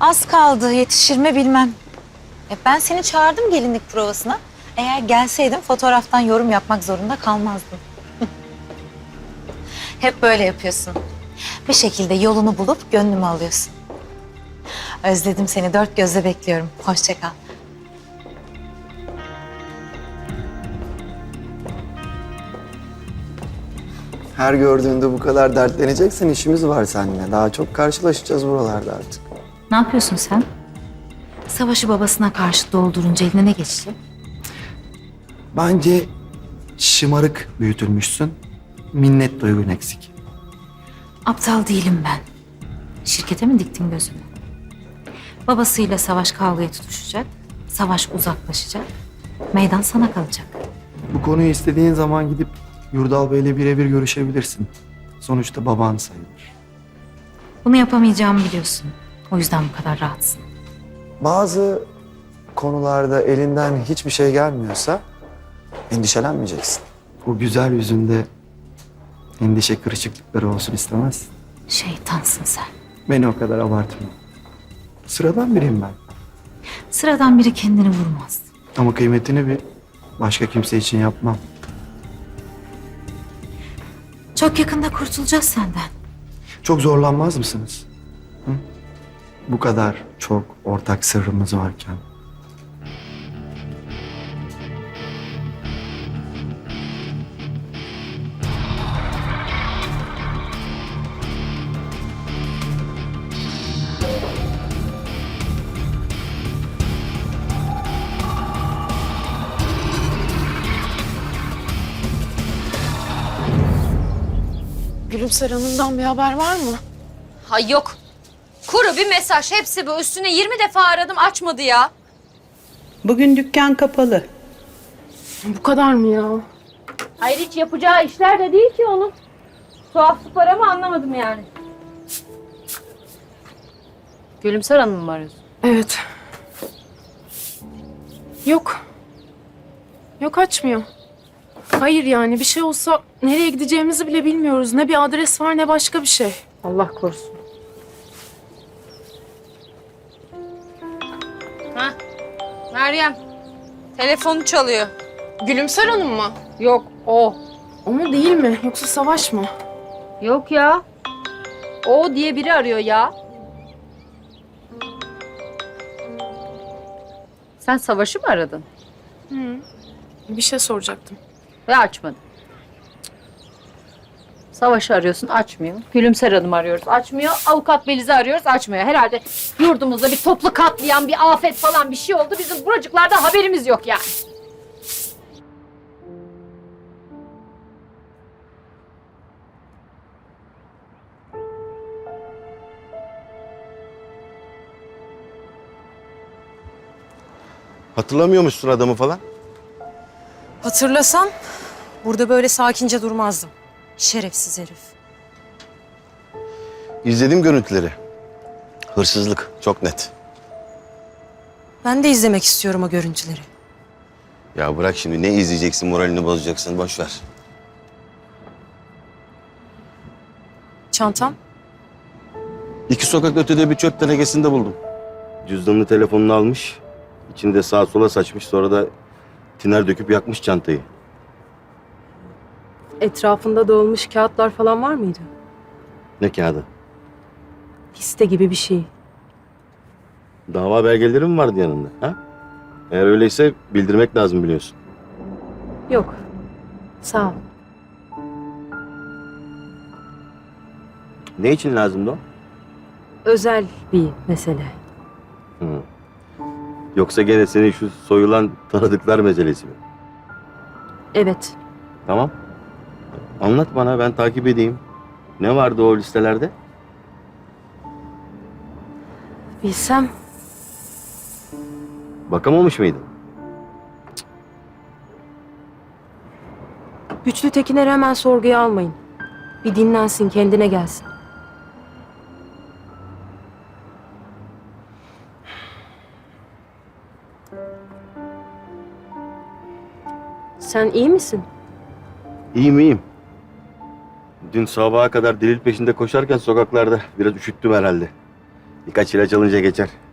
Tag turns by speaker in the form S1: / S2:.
S1: Az kaldı, yetişir mi bilmem. Ben seni çağırdım gelinlik provasına. Eğer gelseydin fotoğraftan yorum yapmak zorunda kalmazdın. Hep böyle yapıyorsun. Bir şekilde yolunu bulup gönlümü alıyorsun. Özledim seni, dört gözle bekliyorum. Hoşça kal.
S2: Her gördüğünde bu kadar dertleneceksin, işimiz var seninle. Daha çok karşılaşacağız buralarda artık.
S1: Ne yapıyorsun sen? Savaşı babasına karşı doldurunca eline ne geçecek?
S2: Bence şımarık büyütülmüşsün. Minnet duygun eksik.
S1: Aptal değilim ben. Şirkete mi diktin gözünü? Babasıyla Savaş kavgaya tutuşacak. Savaş uzaklaşacak. Meydan sana kalacak.
S2: Bu konuyu istediğin zaman gidip Yurdal Bey'le birebir görüşebilirsin. Sonuçta baban sayılır.
S1: Bunu yapamayacağımı biliyorsun. O yüzden bu kadar rahatsın.
S2: Bazı konularda elinden hiçbir şey gelmiyorsa endişelenmeyeceksin. O güzel yüzünde endişe kırışıklıkları olsun istemezsin.
S1: Şeytansın sen.
S2: Beni o kadar abartma. Sıradan biriyim ben.
S1: Sıradan biri kendini vurmaz.
S2: Ama kıymetini bir başka kimse için yapmam.
S1: Çok yakında kurtulacağız senden.
S2: Çok zorlanmaz mısınız? Hı? Bu kadar çok ortak sırrımız varken.
S3: Gülümser Hanım'dan bir haber var mı?
S4: Hay yok. Kuru bir mesaj. Hepsi bu. Üstüne 20 defa aradım. Açmadı ya.
S5: Bugün dükkan kapalı.
S3: Bu kadar mı ya?
S4: Hayır hiç yapacağı işler de değil ki onun. Tuhaflık var ama anlamadım yani. Gülümser Hanım mı arıyorsun?
S3: Evet. Yok. Yok açmıyor. Hayır yani bir şey olsa nereye gideceğimizi bile bilmiyoruz. Ne bir adres var ne başka bir şey.
S4: Allah korusun. Ha? Meryem. Telefonu çalıyor.
S3: Gülümser Hanım mı?
S4: Yok o.
S3: O mu değil mi? Yoksa Savaş mı?
S4: Yok ya. O diye biri arıyor ya. Sen Savaş'ı mı aradın?
S3: Bir şey soracaktım.
S4: Ve açmadı. Savaş'ı arıyorsun, açmıyor. Gülümser Hanım arıyoruz, açmıyor. Avukat Beliz'i arıyoruz, açmıyor. Herhalde yurdumuzda bir toplu katliam, bir afet falan bir şey oldu. Bizim buracıklarda haberimiz yok yani.
S6: Hatırlamıyormuşsun adamı falan.
S7: Hatırlasam burada böyle sakince durmazdım. Şerefsiz herif.
S6: İzledim görüntüleri. Hırsızlık çok net.
S7: Ben de izlemek istiyorum o görüntüleri.
S6: Ya bırak şimdi ne izleyeceksin, moralini bozacaksın, boş ver.
S7: Çantam?
S6: 2 sokak ötede bir çöp tenekesinde buldum. Cüzdanını, telefonunu almış. İçini de sağa sola saçmış, sonra da tiner döküp yakmış çantayı.
S8: Etrafında dağılmış kağıtlar falan var mıydı?
S6: Ne kağıdı?
S8: Liste gibi bir şey.
S6: Dava belgeleri mi vardı yanında? Ha? Eğer öyleyse bildirmek lazım biliyorsun.
S8: Yok. Sağ ol.
S6: Ne için lazımdı o?
S8: Özel bir mesele.
S6: Hı. Yoksa gene senin şu soyulan tanıdıklar meselesi mi?
S8: Evet.
S6: Tamam. Anlat bana, ben takip edeyim. Ne vardı o listelerde?
S8: Bilsem
S6: Bakamamış mıydın?
S8: Güçlü Tekiner'i hemen sorguya almayın. Bir dinlensin, kendine gelsin. Sen iyi misin?
S6: İyiyim, iyiyim. Dün sabaha kadar delil peşinde koşarken sokaklarda biraz üşüttüm herhalde. Birkaç ilaç alınca geçer.